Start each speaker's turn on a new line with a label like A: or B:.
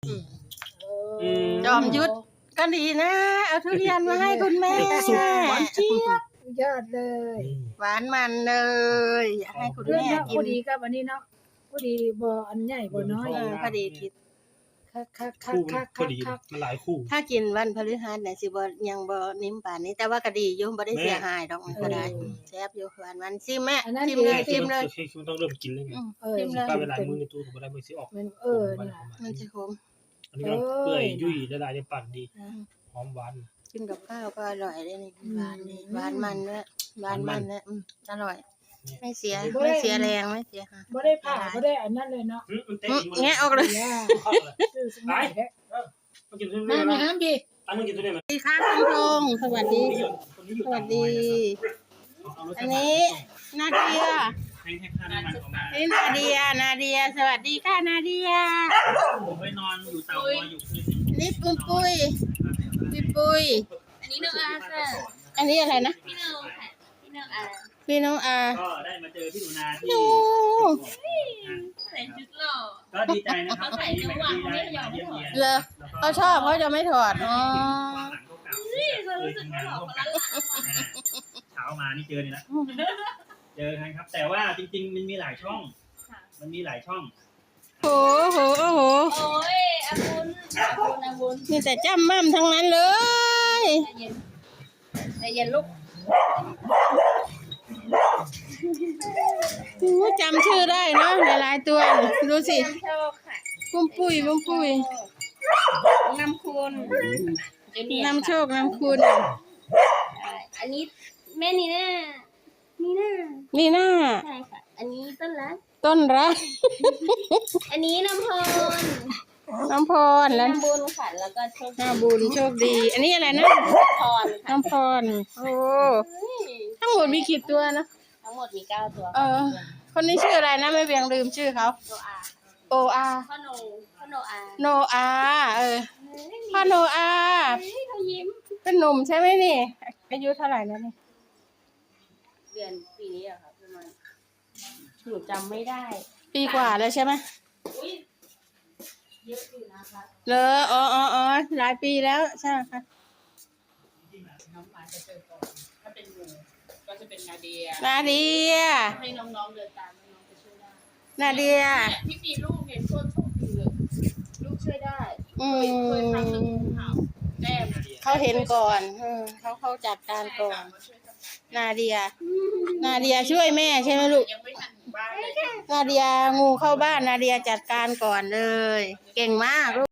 A: จอมยุทธก็ดีนะเอาทุเรียนมาให้คุณแม่
B: สุกหวานเจี๊ยบ
C: ยอดเลย
A: หวานมันเลยอยากให้คุณ
C: เรื่อง
A: แม่
C: เนาะ
A: กิ
C: พ
A: น
C: อดีกับอันนี้เนาะพอดีบ่อันใหญ่บ่น้อย
A: พอดีกิน
C: คัก
B: คู่มันพอดีมันหลายคู่
A: ถ้ากินวันพฤหัสเนี่ยสิบ่ยังบ่นิ่มป่านนี้แต่ว่าก็ดีอยู่บ่ได้เสียหายดอกมันก็ได้แซ่บอยู่หวานมันซิมแม่ซิมเลยซิมเลย
B: คือมันต้องเริ่มกินเลยไง
A: ซิมเลย
B: ป้าเวลามือในตู้ผมได้มือสิออก
C: มันน่ะ
A: มันจะขม
B: อันนี้ก็เปื่อยยุ่ยละลายในปากดีหอมหวาน
A: กินกับข้าวก็อร่อยเลยนี่หวานนี่หวานมันด้วยหวานมันเนี่ยอร่อยไม่เสียแรงไม่เสียค่ะ
C: บ่ได้ผ่าบ่ได้อันนั้นเลยเนาะ
B: มันเตะ
A: แงะออกเลย
C: ย่า ซื้อสมัยแท้
B: มันกินทุเรี
C: มาย
B: น
C: มาหามพี่
B: ตั้งมันกินทุเรียน
A: สวัสดีค่ะคุณพงษ์สวัสดี สวัสดี อันนี้นาเดีย
B: ให้ค่าน้ำมันของมา
A: นี่นาเดีย สวัสดีค่ะนาเดีย
B: ผมไปนอนอยู่เตาอยู่คืน
A: นี่ปุ้ยปุ้ย
D: อันนี้น้องอาค่ะ
A: อันนี้อะไรนะ
D: พี่น้องค่ะพี่น้องอา
A: พี่น้องอา
B: ก็ได้มาเจอพี่หนูนาที่
A: หนู
D: ใส่ชุดหล่อ
B: ก็ดีใจนะครับที่แบบที่ได้มาเยี่ยมเยียน
A: เลยเขาชอบเขาจะไม่ถอดอ๋อ
D: นี่เรารู้สึกว่าหล่อคนละหลัง
B: เช้ามานี่เจอนี่ละเจอกันครับ แต่ว่าจริงๆมันมีหลายช่อง มันมีหลายช่อง
A: โอ้โห
D: โอ้ยอาบุญ
A: มีแต่จ้ำม่ำทั้งนั้นเลย
D: ใจเย็นลูก
A: จำชื่อได้เนาะหลายๆตัวดูสิ
D: น้ำโชคค่ะ
A: ปุ้มปุ้ย
D: น้ำคุณ
A: นำโชค นำคุณ
D: อันนี้แม่นีน่า
A: นี่หน้า
D: ใช่ค่ะ อันนี้ต้นรัก
A: ต้นรัก
D: อันนี้น้ำพร
A: น้ำพรแล้ว
D: น้ำบุญค่ะ แล้วก็โชค
A: น้ำบุญโชคดี อันนี้อะไรนะ
D: พรค่ะ
A: น้ำพรโอ้ทั้งหมดมีกี่ตัวนะ
D: ทั้งหมดมี9ตัว
A: คนนี้ชื่ออะไรนะไม่เบียงลืมชื่อเขา
D: โนอา
A: โออา
D: พ่อโนอา
A: โนอาพ่อโนอา
D: เขายิ้ม
A: เป็นหนุ่มใช่ไหมนี่อายุเท่าไหร่แล้วนี่
D: เดือนปีนี้อะค่ะประมาณหนูจำไม่ได้
A: ปีกว่าแล้วใช่ไหม
D: อุ้ยเยอะอยู่นะคะ
A: เลออ๋อหลายปีแล้วใช่ไหมคะ
E: น้องมาจะเจอก่อนถ้าเป็นหนูก็จะเป็นนาเดีย
A: นาเดีย
E: ให้น้องๆเดินตามน้องๆจะช่วยได้
A: นาเดีย
E: เนี่ยที่มีลูกเนี่ยโชคดีเลยลูกช่วยได้
A: อื
E: เคยครั้งหนึ่ง
A: ม
E: เห่าแต้ม
A: เขาเห็นก่อนเขาจัดการก่อน นาเดียช่วยแม่ใช่ไหมลูก
E: ยังไม่ทันถึงบ้านเลย
A: นาเดียงูเข้าบ้านนาเดียจัดการก่อนเลย เก่งมากลูก